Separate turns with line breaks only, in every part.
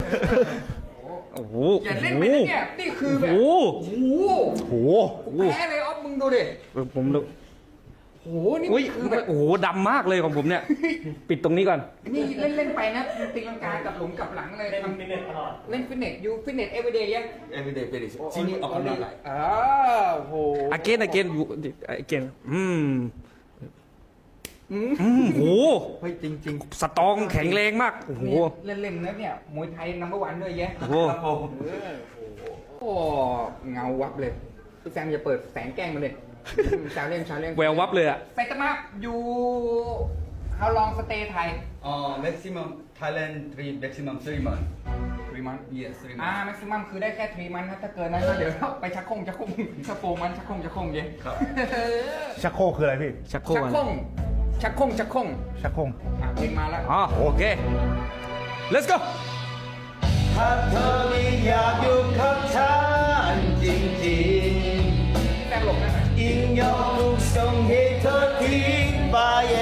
โอ้โห
อย่าเล่นไปนะเนี่ยนี่คือแบบ
โอ้
โห
โห
แพ้เลยออฟมึงดูดิ
ผมดู
โหนี่
อุ้ย
คือแบบ
โอ้โหดำมากเลยของผมเนี่ย ปิดตรงนี้ก่อน
นี่เล่นไปนะตีลังกากับหลุมกับหลังเลย
เล่นฟิตเนสตลอด
เล่นฟิตเนสยูฟิตเนสเอเวอร์เดย์ยัง
everyday very
ที่นี่ออกกำลังกายโอ้โห
again again again โห
เฮ้ยจริง
สตรองแข็งแรงมาก โอ้โห
เล่นๆนะเนี่ยมวยไทยนัมเบอร์วันด้วยแยะ
โอ้โห
ครับผม
โอ้เงาวับเลยพี่แซมอย่าเปิดแสงแกล้งมันเลยชาเล่น
แวววับเลยอะ
ไซตามะอยู่ how long stay ไทย
maximum Thailand 3 maximum 3 months
3 months
yes 3
อ่า
months
maximum คือได้แค่3 months นะถ้าเกินนั้นก็เดี๋ยวไปชักโคงชักโฟมันชักโคงเย็น
ครับ
ชักโครกคืออะไรพี่
ชักโคร
ชั
ก
ก
อะ
โคงชักโคง
ชักโครก
เพลงมาแล้ว
อ๋อโอเค let's go
ถ้าเธอไม่อยากอยู่กับฉันจริง
แซมหลบนะ
ๆยิ่งยอมถูกส่งให้เธอทิ้งไป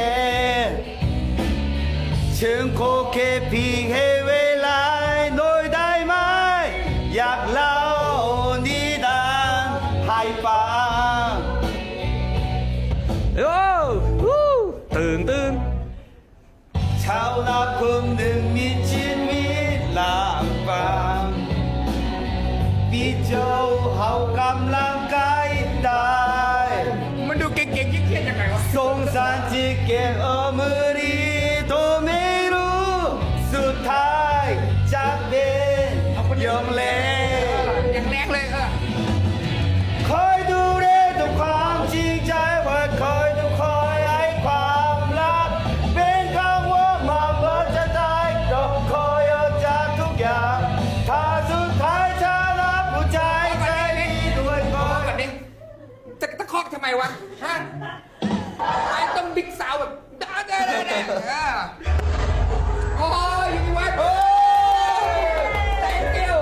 ฉันขอแค่เพียงให้เวลาหน่อยได้ไหมอยากเล่านิทานให้ฟัง
โอ้วู้ตื่น
ชาวนาคนหนึ่งมีชีวิตลำบากพี่เจ้าเขากำลังกายได้
มันดูเก่งๆเครียดๆยังไงวะ
สงสารที่เก็บเอามือดีตัวไม่รู้สุดท้ายจากเป็นยอมเล่
อย่างแรกเลย
คอยดูแลด้วยความจริงใจว่าคอยดูคอยให้ความรักเป็นคำว่ามาเมื่อจะได้ก็คอยเอาจากทุกอย่างถ้าสุดท้ายฉันรับผู้ใจใจดีด้วยก็
แบบนี้จะตะคอกทำไมวะฮะไอ้ต้องบิ๊กสาวแบบได้โอ้ยอยู่วัดโอ้ย thank you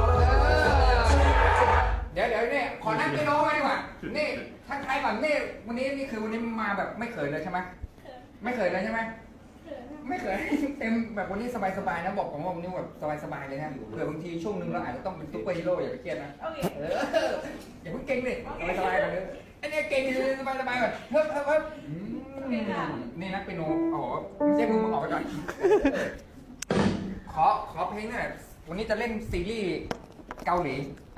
เดี๋ยวเนี่ยขอนั่งไปโน้มาดีกว่านี่ทักทายก่อนนี่วันนี้มาแบบไม่เขินเลยใช่ไหมไม่เขินเลยใช่ไหมไม่เขินเต็มแบบวันนี้สบายๆนะบอกผมว่าวันนี้แบบสบายๆเลยนะเผื่อบางทีช่วงนึงเราอาจจะต้องเป็นซุปเปอร์ฮีโร่อย่าไปเครียดนะอย่าเพิ่งเก่งเลยสบายๆกันเลยไอ้เนี่ยเก่งสบายๆแบบเพิ่มนี่นักเปียโนโอ้โหไม่ใช่มึงออกไปก่อนขอเพลงหน่อยวันนี้จะเล่นซีรีส์เกาหลี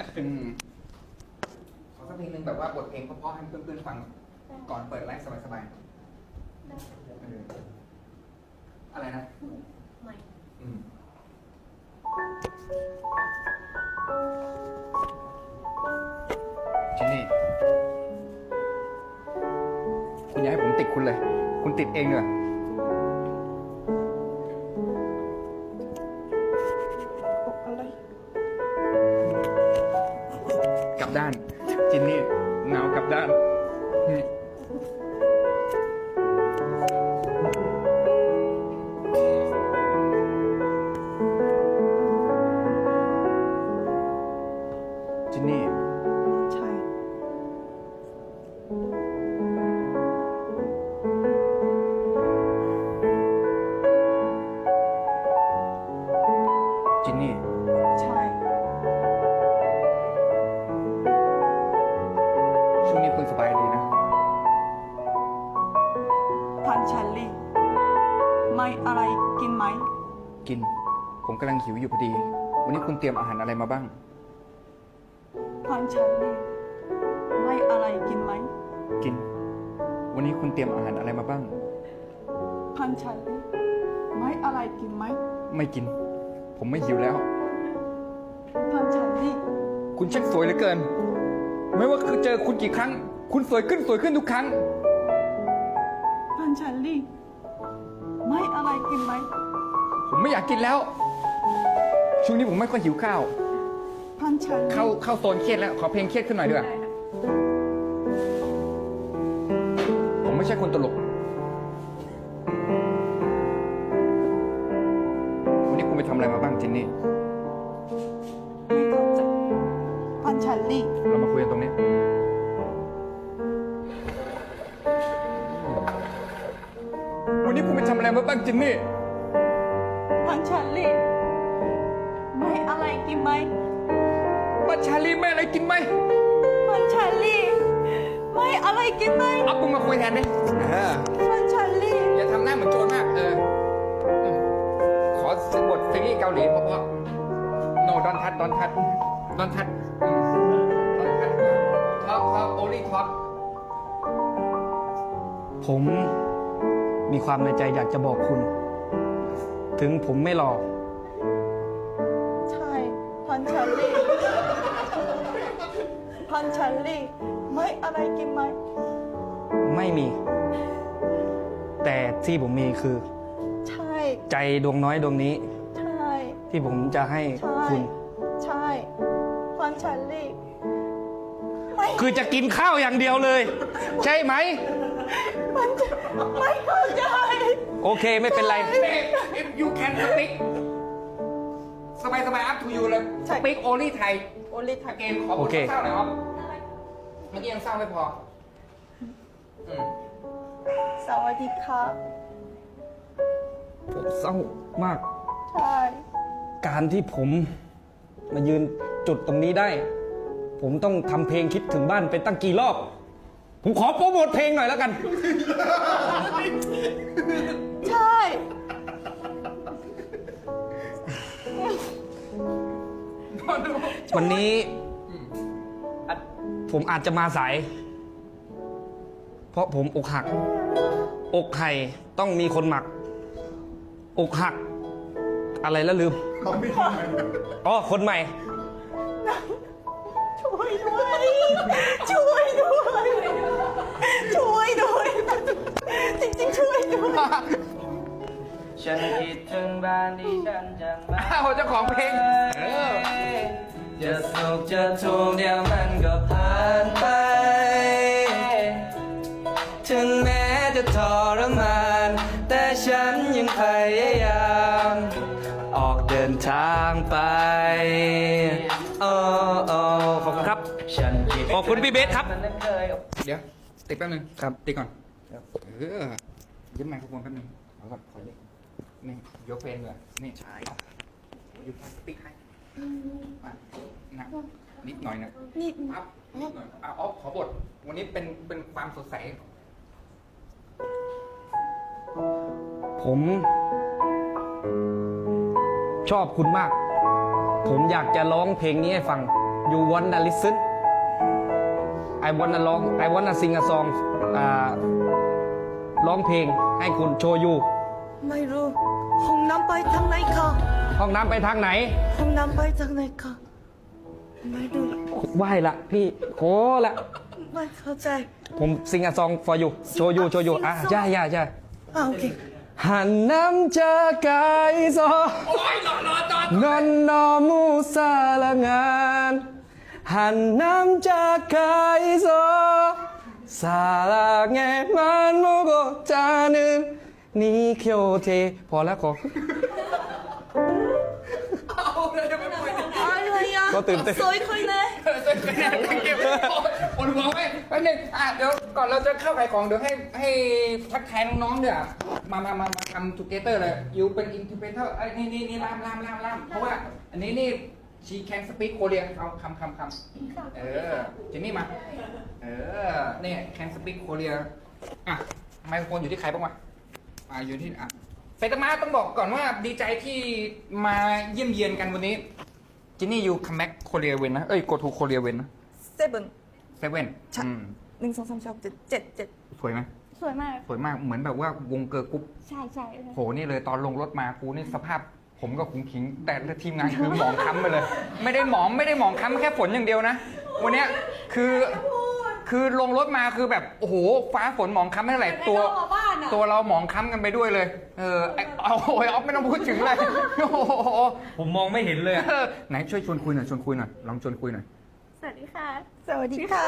ขอสักเพลงหนึ่งแบบว่าบทเพลงเพราะๆให้เพื่อนๆฟังก่อนเปิดไลฟ์สบายๆอะไรนะที่นี่คุณอย่าให้ผมติดคุณเลย คุณติดเองเลยกลับด้าน จินนี่หนาวกลับด้านนี่จินนี่
ใช่
จินนี่
ใช่
ช่วงนี้คุณสบายดีนะ
พันชันลี่ ไม่อะไรกินไหม
กิน ผมกำลังหิวอยู่พอดี วันนี้คุณเตรียมอาหารอะไรมาบ้าง
พันชันลี่ ไม่อะไรกินไหม
กิน วันนี้คุณเตรียมอาหารอะไรมาบ้าง
พันชันลี่ ไม่อะไรกินไหม
ไม่กิน ผมไม่หิวแล้ว
พันชันลี่
คุณช่างสวยเหลือเกิน ไม่ว่าคือเจอคุณกี่ครั้ง คุณสวยขึ้นทุกครั้ง
พันชันลี่ ไม่อะไรกินไหม
ผมไม่อยากกินแล้ว ช่วงนี้ผมไม่ค่อยหิวข้าว
พันชันลี่
เข้าโซนเครียดแล้ว ขอเพลงเครียดขึ้นหน่อยด้วย ผมไม่ใช่คนตลก วันนี้คุณไปทำอะไรมาบ้างจินนี่
ไม่เข้าใจพันชันลี่
เรามาคุยกันตรงนี้ วันนี้คุณไปทำอะไรมาบ้างจินนี่
พันชันลี่ ไอะไรกินไหม
ว่าชาลีไม่อะไรกินไหม
พันชาลีไม่อะไรกินไหม
เอาปุ้งมาคุยแทนดิ
พันชาลี
อย่าทำหน้าเหมือนโจรมากขอซื้อบทซีรีส์เกาหลีเพราะโนดอนทัดท็อกโอลี่ท็อก
ผมมีความในใจอยากจะบอกคุณ ถึงผมไม่หล่อ
ใช่พันชาลีพันชาลีไม่อะไรกินไหม
ไม่มี แต่ที่ผมมีคือ
ใช่
ใจดวงน้อยดวงนี้
ใช่
ที่ผมจะให้
ใช่
คุณ
ใช่พันชาลีไม่
คือจะกินข้าวอย่างเดียวเลย ใช่ไหม
พันชาไม่เข้าใจ
โอเคไม่เป็นไร
if you can speak สบาย up to you เลย speak only Thai
โอลิทัก
again ขอบ
โอ
คุณ
เค
เศร้าหน่อยครับเมื่อกี้ยังเศร้าไม่พออืม
สวัสดีค่ะ
ผมเศร้ามาก
ใช่
การที่ผมมายืนจุดตรงนี้ได้ ผมต้องทำเพลงคิดถึงบ้านไปตั้งกี่รอบ ผมขอโปรโมทเพลงหน่อยแล้วกัน
ใช่
วันนี้ผมอาจจะมาสาย เพราะผมอกหัก อกไห่ต้องมีคนหมัก อกหัก อะไรแล้วลืมอ๋อคนใหม่
ช่วยด้วย ช่วยด้วย ช่วยด้วย จริงๆช่วยด้วย
ฉันคิดถึงบ้านที่ฉันจังมา
อ้าวเจ้าของเพลงเออ
จะสุขจะทุกข์เดี๋ยวมันก็ผ่านไป ถึงแม้จะทรมาน แต่ฉันยังพยายาม ออกเดินทางไป โอ้โอ้
ขอบคุณครับ
ฉันคิด
ขอบคุณพี่เบสครับ
มันเคย
เดี๋ยวติดแป๊บนึง
ครับ
ติดก่อนยึดไมโครโฟนแป๊บนึงขอก่อนขอเลยนี่ยกเพลงเลยนี่ใช่อยู่ติ๊กให้มานะนิดหน่อยนะ
นี่
ครับนิดหน่อยเอาขอบทวันนี้เป็นความสดใส
ผม ชอบคุณมาก ผมอยากจะร้องเพลงนี้ให้ฟัง You wanna listen I wanna ร้อง I wanna sing a song ร้องเพลงให้คุณโชยู
ไม่รู้ห้องน้ำไปทางไหนคะ
ห้องน้ำไปทางไหน
ห้องน้ำไปทางไหนคะไม่รู้
ไหวละพี่โคละ
ไม่เข้าใจ
ผม sing a song for you โชยูโชยูอ่ะใช่ใช่ใช่
โอเค
หันน้ำจากายโซนอนนอมูสาลงานหันน้ำจากายโซสาลาเงมันโมโกจานึนนี่เคียวเทพอแล้วขอ
อะไรอ่ะ
ก็ตื่นเต้น
สวยขึ้นเลย
ปวดหัวไหมแป๊บนึงเดี๋ยวก่อนเราจะเข้าขายของเดี๋ยวให้ทักทายน้องๆเดี๋ยวมาทำทูเกเตอร์เลยยูเป็นอินทิเปเตอร์นี่ล่ามเพราะว่าอันนี้นี่ she can speak Korean เอาคำเจนนี่มานี่ can speak Korean อ่ะไมโครโฟนอยู่ที่ใครบ้างวะอยู่ที่ไซตามะต้องบอกก่อนว่าดีใจที่มาเยี่ยมเยียนกันวันนี้จินนี่ยูคัมแบ็กโคเรียเวนนะโกทูโคเรียเวนนะ
เซเว่น
เซเว่น
1 2 3 4 6 7 7
สวยไหม
สวยมาก
สวยมากเหมือนแบบว่าวงเกิร์ลกรุ๊ป
ใช่ใช่
โหนี่เลยตอนลงรถมากูนี่สภาพผมกับขุงขิง แต่ทีมงานคือหมองค้ำไปเลย ไม่ได้หมองค้ำแค่ฝนอย่างเดียวนะ วันเนี้ยคือลงรถมาคือแบบโอ้โหฟ้าฝนหมองค้ำไม่เท่าไหร่ตัวเราหมองค้ำกันไปด้วยเลยเอาโอ้ยออฟไม่ต้องพูดถึงเลยโอ้โห
ผมมองไม่เห็นเลย
ไหนช่วยชวนคุยหน่อยลองชวนคุยหน่อย
สวัสดีค่ะ สวัสดีค่ะ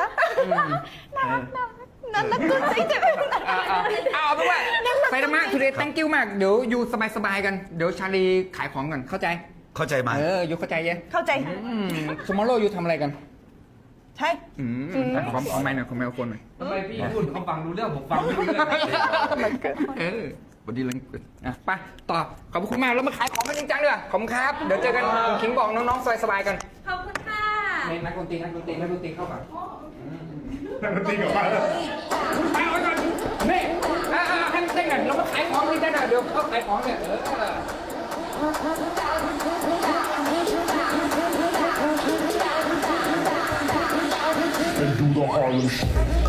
น่ารักกุ๊ดจริง
เอาไปว่าไปธรรมะ today thank you มากเดี๋ยวอยู่สบายๆกันเดี๋ยวชาลีขายของก่อนเข้าใจ
เข้าใจไหม
อยู่เข้าใจยัง
เข้าใจ
tomorrow อยู่ทำอะไรกัน
ใช่
ขอไมค์หน่อยขอไมโครโฟนหน่อย
ทำไมพี่พูดเขาฟังรู้เรื่องผมฟังไม่รู้เรื่อง
เออวันนี้เล่นไปต่อขอบคุณมากแล้วมาขายของกันจริงจังด้วยขอบคุณครับเดี๋ยวเจอกันคิงบอกน้องๆสบายๆกัน
ขอบคุณค่ะ
นี่นักดนตรีเข้ามา
นักดนตรีกับมาแล้ว
ไปเอาไว้ก่อนนี่ให้มันเต้นกันเรามาขายของนี่ได้นะเดี๋ยวเขาขายของเนี่ย
And do the Harlem Shake.